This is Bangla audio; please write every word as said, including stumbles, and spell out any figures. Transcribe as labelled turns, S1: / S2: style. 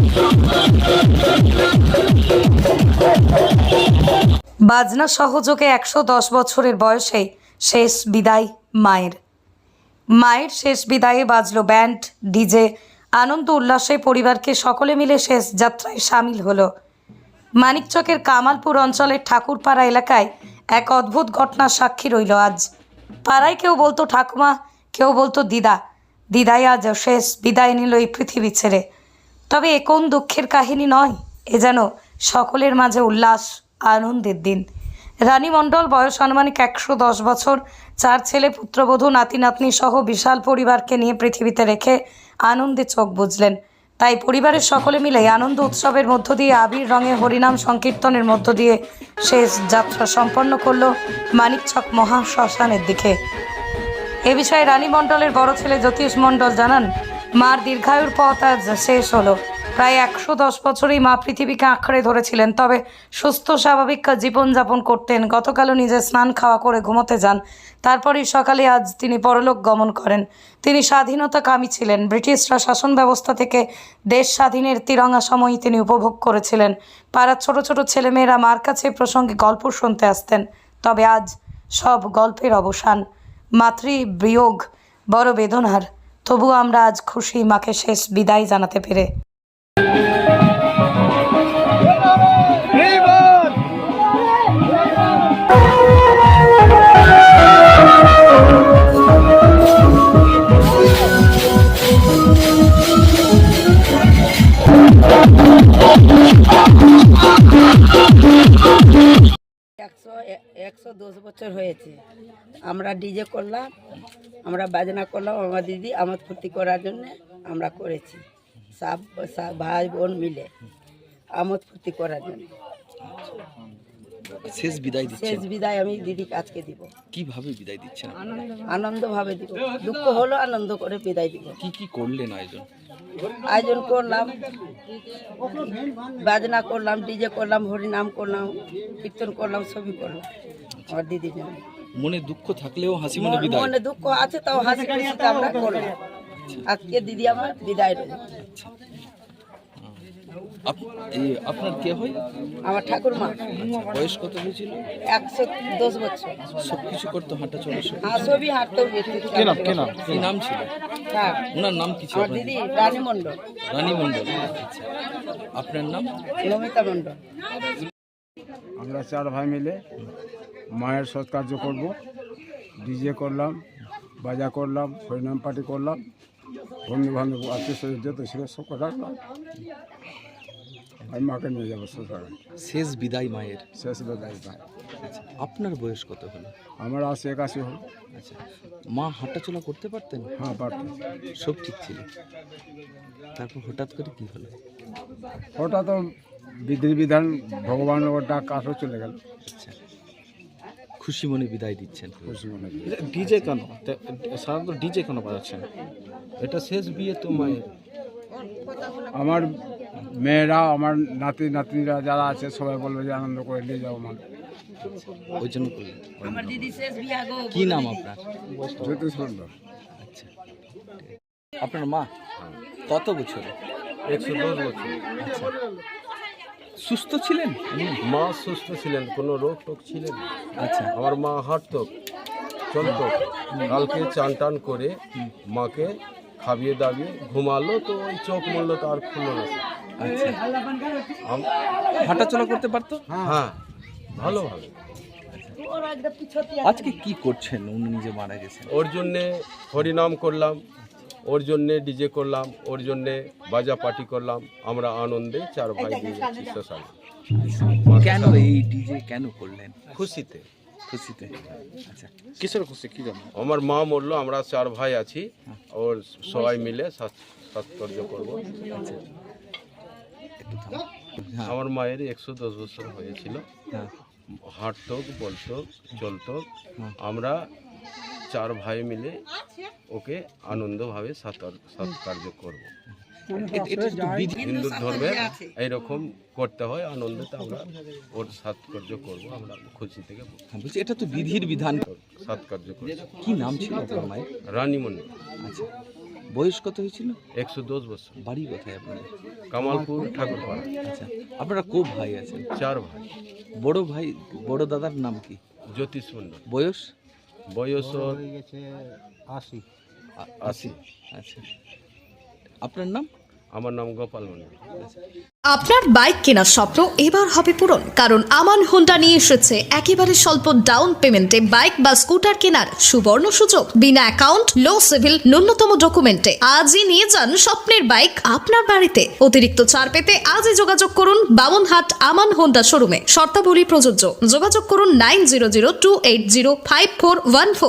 S1: বাজনা সহযোগে একশো দশ বছরের বয়সে শেষ বিদায় মায়ের। মায়ের শেষ বিদায়ে বাজলো ব্যান্ড, ডিজে। আনন্দ উল্লাসে পরিবারকে সকলে মিলে শেষ যাত্রায় সামিল হলো। মানিকচকের কামালপুর অঞ্চলের ঠাকুরপাড়া এলাকায় এক অদ্ভুত ঘটনার সাক্ষী রইল আজ। পাড়ায় কেউ বলতো ঠাকুমা, কেউ বলতো দিদা। দিদাই আজ শেষ বিদায় নিল এই পৃথিবী ছেড়ে। তবে এ কোন দুঃখের কাহিনী নয়, এ যেন সকলের মাঝে উল্লাস আনন্দের দিন। রানী মণ্ডল বয়স আনুমানিক একশো দশ বছর, চার ছেলে পুত্রবধূ নাতি নাতনি সহ বিশাল পরিবারকে নিয়ে পৃথিবীতে রেখে আনন্দে চোখ বুজলেন। তাই পরিবারের সকলে মিলে আনন্দ উৎসবের মধ্য দিয়ে আবির রঙে হরিনাম সংকীর্তনের মধ্য দিয়ে শেষ যাত্রা সম্পন্ন করল মানিকচক মহা শ্মশানের দিকে। এ বিষয়ে রানী মণ্ডলের বড় ছেলে জ্যোতিষ মণ্ডল জানান, মার দীর্ঘায়ুর পথ আজ শেষ হলো। প্রায় একশো দশ বছরেই মা পৃথিবীকে আঁকড়ে ধরেছিলেন, তবে সুস্থ স্বাভাবিক জীবনযাপন করতেন। গতকালও নিজে স্নান খাওয়া করে ঘুমোতে যান, তারপরেই সকালে আজ তিনি পরলোক গমন করেন। তিনি স্বাধীনতাকামী ছিলেন। ব্রিটিশরা শাসন ব্যবস্থা থেকে দেশ স্বাধীনের তিরঙা সময়ই তিনি উপভোগ করেছিলেন। পাড়ার ছোট ছোট ছেলেমেয়েরা মার কাছে প্রসঙ্গে গল্প শুনতে আসতেন। তবে আজ সব গল্পের অবসান। মাতৃ বিয়োগ বড় বেদনার, তবুও আমরা আজ খুশি মাকে শেষ বিদায় জানাতে পেরে।
S2: একশো একশো দশ বছর হয়েছে। আমরা ডিজে করলাম, আমরা বাজনা করলাম, আমার দিদি আমোদ ফুর্তি করার জন্য আমরা করেছি। সব সব ভাই বোন মিলে আমোদ ফুর্তি করার জন্য
S3: শেষ বিদায় দিচ্ছেন।
S2: শেষ বিদায় আমি দিদিকে আজকে দিব।
S3: কিভাবে বিদায় দিচ্ছেন?
S2: আনন্দ ভাবে দিব, দুঃখ হলো আনন্দ করে বিদায় দিব।
S3: কি কি করলেন আয়োজন?
S2: আয়োজন করলাম, বাজনা করলাম, ডিজে করলাম, হরিনাম করলাম, কীর্তন করলাম, সবই করলাম আমার দিদির জন্য।
S3: মনে দুঃখ থাকলেও হাসি মনে বিদায়।
S2: মনে দুঃখ আছে তাও হাসি খুশিতে আমরা করলাম। আজকে দিদি আমার বিদায় রইল।
S3: আপনার কে হয়?
S2: আমার ঠাকুরমা।
S3: বয়স কত হয়েছিল?
S2: একশো দশ বছর।
S3: সবকিছু করতো, হাঁটা চলা সব?
S2: হ্যাঁ, সবই হাঁটতেও গেছে।
S3: কি নাম ছিল
S2: হ্যাঁ,
S3: ওনার নাম কি ছিল?
S2: আমার দিদি রানী মণ্ডল।
S3: রানী মণ্ডল। আচ্ছা, আপনার নাম?
S2: নমিতা মণ্ডল।
S4: আমরা চার ভাই মিলে মায়ের সৎকার্য করব। ডিজে করলাম, বাজা করলাম, হরিনাম পার্টি করলাম, বন্ধু বান্ধব আত্মীয় স্বজন যত ছিল সব রাখলাম। আমি মাকে নিয়ে যাবো শ্বশুর।
S3: শেষ বিদায় মায়ের।
S4: শেষ বিদায় ভাই।
S3: আচ্ছা, আপনার বয়স কত হলো?
S4: আমার আশি একাশি হল।
S3: আচ্ছা, মা হাঁটাচলা করতে পারতেন?
S4: হ্যাঁ, পারতাম।
S3: সব ঠিক ছিল, তারপর হঠাৎ করে কি হলো?
S4: ওটা তো বিধি বিধান, ভগবানের ডাক আসো চলে গেল।
S3: আচ্ছা, খুশি মনে বিদায় দিচ্ছেন।
S4: খুশি মনে।
S5: ডিজে কেন সাধারণত ডিজে কেন বাজাচ্ছেন? এটা শেষ বিয়ে তো মায়ের।
S4: আমার মেয়েরা, আমার নাতি নাতনিরা যারা আছে সবাই বলবে যে আনন্দ করে নিয়ে যাও মা,
S3: ওই জন্য করলেন।
S2: আমার দিদি শেষ বিয়া গো।
S3: কি নাম আপনার?
S4: জ্যোতিষ মণ্ডল।
S3: আচ্ছা, আপনার মা কত বছর?
S5: একশো দশ বছর।
S3: আচ্ছা, সুস্থ ছিলেন?
S5: মা সুস্থ ছিলেন, কোনো রোগ টোগ ছিলেন না।
S3: আচ্ছা,
S5: আমার মা হাঁটতো, চলতো। কালকে চান টান করে মাকে খাবিয়ে দাবিয়ে ঘুমালো, তো ওই চোখ মরলো তো আর খুললো না।
S3: আচ্ছা,
S5: আম-
S3: হাঁটাচলা করতে পারতো?
S5: হ্যাঁ, ভালো ভালো।
S3: আজকে কি করছেন? উনি নিজে মারা গেছেন।
S5: ওর জন্যে হরিনাম করলাম, ওর জন্যে ডিজে করলাম, ওর জন্যে বাজা পার্টি করলাম। আমরা আনন্দে চার ভাই দিয়ে যাচ্ছি শ্মশানে।
S3: কেন এই ডিজে কেন করলেন?
S5: খুশিতে।
S3: খুশিতে। আচ্ছা,
S5: কিসের খুশি কি জানো? আমার মা মরলো, আমরা চার ভাই আছি, ওর সবাই মিলে সৎকার্য করবো।
S3: আচ্ছা, একটু থামো। হ্যাঁ,
S5: আমার মায়ের একশো দশ বছর হয়েছিল।
S3: হ্যাঁ,
S5: হাঁটতো, বলতো, চলতো।
S3: হুম।
S5: আমরা চার ভাই মিলে ওকে আনন্দভাবে সৎকার্য করবো।
S3: এ- এটা একটু বিধি।
S5: হিন্দু ধর্মে এইরকম করতে হয়, আনন্দতে আমরা ওর সৎকার্য করবো। আমরা খুশি থেকে
S3: হ্যাঁ, বলছি এটা তো বিধির বিধান।
S5: সৎকার্য করবো।
S3: কি নাম ছিল আপনার মায়ের?
S5: রানী মণ্ডল।
S3: আচ্ছা, বয়স কত হয়েছিল?
S5: একশো দশ বছর।
S3: বাড়ি কোথায় আপনাদের?
S5: কামালপুর ঠাকুরপাড়া।
S3: আচ্ছা, আপনারা খুব ভাই আছেন?
S5: চার ভাই।
S3: বড় ভাই, বড় দাদার নাম কি?
S5: জ্যোতিষ মণ্ডল।
S3: বয়স?
S5: বয়স ওর
S3: আশি।
S5: আশি।
S3: আচ্ছা, আপনার নাম?
S5: আমার নাম গোপাল মণ্ডল।
S6: আপনার বাইক কেনার স্বপ্ন এবার হবে পূরণ, কারণ আমান হোন্ডা নিয়ে এসেছে একেবারে স্বল্প ডাউন পেমেন্টে বাইক বা স্কুটার কেনার সুবর্ণ সুযোগ। বিনা অ্যাকাউন্ট, লো সিভিল, ন্যূনতম ডকুমেন্টে আজই নিয়ে যান স্বপ্নের বাইক আপনার বাড়িতে। অতিরিক্ত ছাড় পেতে আজই যোগাযোগ করুন বামনহাট আমান হোন্ডা শোরুমে। শর্তাবলী প্রযোজ্য। যোগাযোগ করুন nine zero zero two eight zero five four one four.